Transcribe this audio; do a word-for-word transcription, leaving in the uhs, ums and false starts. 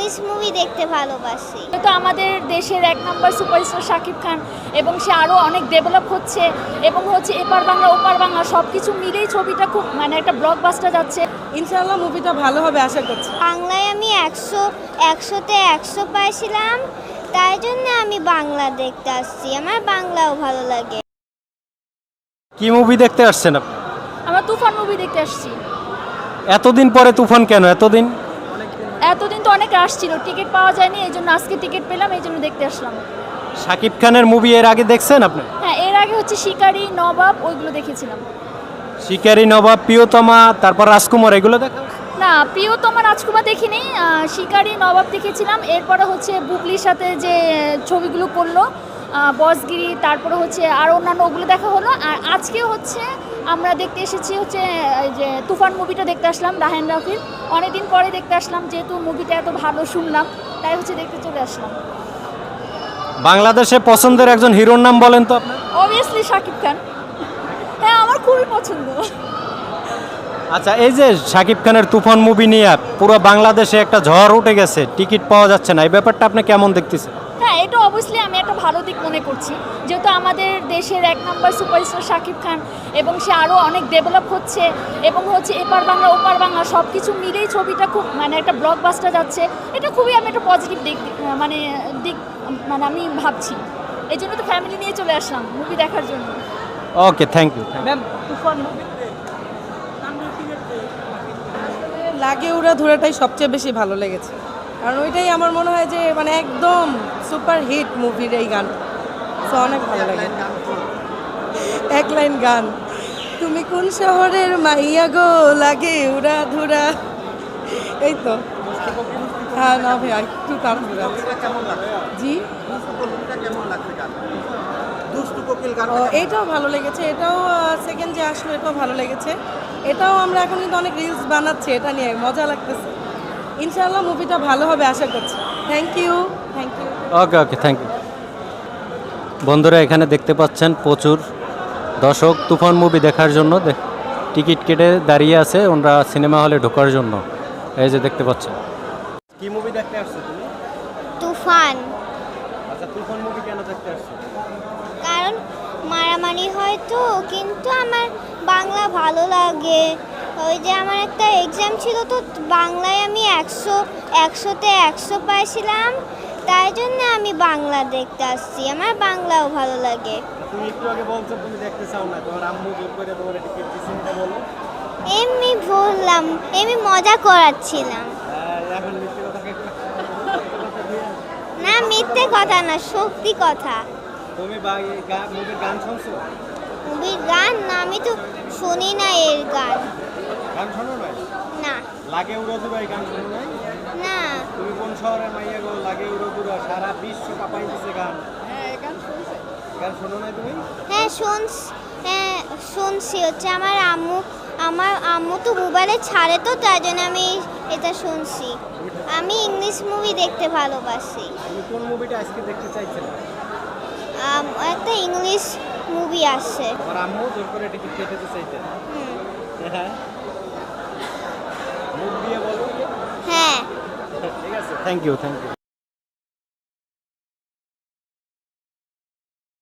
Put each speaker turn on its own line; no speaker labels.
English movie দেখতে ভালোবাসি।
তো আমাদের দেশের এক নম্বর সুপারস্টার শাকিব খান এবং সে আরও অনেক ডেভেলপ হচ্ছে এবং হচ্ছে এপার বাংলা ওপার বাংলা সব কিছু মিলেই ছবিটা খুব মানে একটা ব্লকবাস্টার যাচ্ছে।
ইনশাআল্লাহ মুভিটা ভালো হবে আশা করছি।
বাংলায় আমি একশো একশোতে একশো পাইছিলাম, তাই জন্য আমি বাংলা দেখতে আসছি। আমার বাংলাও ভালো লাগে।
কি মুভি দেখতে আসছেন আপনি?
আমরা তুফান মুভি দেখতে আসছি।
এতদিন পরে তুফান কেন? এতদিন
এতদিন তো অনেক আসছিল, টিকিট পাওয়া যায়নি, এই জন্য আজকে টিকিট পেলাম, এই জন্য দেখতে আসলাম।
শাকিব খানের মুভি এর আগে দেখছেন আপনি?
হ্যাঁ, এর আগে হচ্ছে শিকারি, নবাব ওইগুলো দেখেছিলাম।
শিকারি, নবাব, প্রিয়তমা, তারপর রাজকুমার এগুলো দেখা?
না, প্রিয়তমা রাজকুমার দেখিনি, আহ, শিকারি, নবাব দেখেছিলাম। এরপরে হচ্ছে বুবলির সাথে যে ছবিগুলো করলো আহ, বসগিরি, তারপরে হচ্ছে আর অন্যান্য ওগুলো দেখা হলো। আর আজকে হচ্ছে আমরা দেখতে এসেছি হচ্ছে এই যে তুফান মুভিটা দেখতে আসলাম, রাহেন রাফির। অনেকদিন পরে দেখতে আসলাম, যেহেতু মুভিটা এত ভালো শুনলাম, তাই হচ্ছে দেখতে চলে আসলাম।
বাংলাদেশে পছন্দের একজন হিরোর নাম বলেন তো আপনার?
অবভিয়াসলি শাকিব খান। হ্যাঁ, আমার খুবই পছন্দ।
আচ্ছা, এই যে শাকিব খানের তুফান মুভি নিয়ে পুরো বাংলাদেশে একটা ঝড় উঠে গেছে, টিকিট পাওয়া যাচ্ছে না, এই ব্যাপারটা আপনি কেমন দেখতেছেন?
হ্যাঁ, এটা অবশ্যই আমি একটা ভালো দিক মনে করছি, যেহেতু আমাদের দেশের এক নম্বর সুপারস্টার শাকিব খান এবং সে আরও অনেক ডেভেলপ হচ্ছে এবং হচ্ছে এপার বাংলা ওপার বাংলা সব কিছু মিলেই ছবিটা খুব মানে একটা ব্লকবাস্টার যাচ্ছে। এটা খুবই আমি একটা পজিটিভ দিক মানে দিক মানে আমি ভাবছি। এই জন্য তো ফ্যামিলি নিয়ে চলে আসলাম মুভি দেখার জন্য।
Okay, thank you.
Ma'am Toofan movie লাগে উড়া ধুরাটাই সবচেয়ে বেশি ভালো লেগেছে, কারণ ওইটাই আমার মনে হয় যে মানে একদম সুপার হিট মুভির এই গান। তো অনেক ভালো লাগে। এক লাইন গান, তুমি কোন শহরের মাইয়া গো, লাগে উড়া ধুরা, এই তো। হ্যাঁ না ভাই, একটু তাড়াহুড়া। জি, ও এইটাও ভালো লেগেছে, এটাও সেকেন্ড যে আসলো এটাও ভালো লেগেছে। এটাও আমরা এখন কিন্তু অনেক রিলস বানাচ্ছি, এটা নিয়ে মজা লাগতেছে। ইনশাআল্লাহ মুভিটা ভালো হবে আশা করছি। Thank you, thank you.
Okay okay thank you. বন্ধুরা, এখানে দেখতে পাচ্ছেন প্রচুর দর্শক তুফান মুভি দেখার জন্য টিকিট কেটে দাঁড়িয়ে আছে ওনারা সিনেমা হলে ঢোকার জন্য। এই যে দেখতে পাচ্ছেন। কি মুভি দেখতে আসছো তুমি?
তুফান।
আচ্ছা, তুফান মুভি কেন দেখতে আসছো?
কারণ মারামারি হয় তো, কিন্তু আমার বাংলা ভালো লাগে। ওই যে আমার একটা এক্সাম ছিল, তো বাংলায় আমি একশো একশোতে একশো পাইছিলাম, তাই জন্য আমি বাংলা দেখতে আসছি। আমার বাংলাও ভালো লাগে।
তুমি একটু আগে বলছো তুমি দেখতে চাও না, তোমার আম্মু জোর করে তোমার টিকিট দিয়েছে, এটা বলো।
এমনি বললাম, এমনি মজা করাচ্ছিলাম।
এখন মিথ্যে কথা কে?
না, মিথ্যে কথা না, সত্যি কথা।
তুমি মুভির গান শুনছো?
মুভির গান না, আমি তো শুনি না এর গান।
গান শোনো নাই?
না
লাগে উড়ো দুরা, এই গান শোনো নাই?
না।
তুমি কোন শহরের মাইয়া গো, লাগে উড়ো দুরা, সারা বিশ্ব কাঁপাই দিছে গান।
হ্যাঁ, এই গান শুনছে।
গান শোনো নাই তুমি?
হ্যাঁ শুনছি, হ্যাঁ শুনছি। হচ্ছে আমার আম্মু আমার আম্মু তো মোবাইলে ছাড়ে, তো তাই জন্য আমি এটা শুনছি। আমি ইংলিশ মুভি দেখতে ভালোবাসি।
তুমি কোন মুভিটা আজকে দেখতে চাইছিলে?
আম, একটা ইংলিশ মুভি আসছে।
আমার আম্মু জোর করে টিকিট কেটে দিছে এইটা।
হুম।
হ্যাঁ, মুভ দিয়ে বলো।
হ্যাঁ।
ঠিক আছে, থ্যাংক ইউ থ্যাংক ইউ।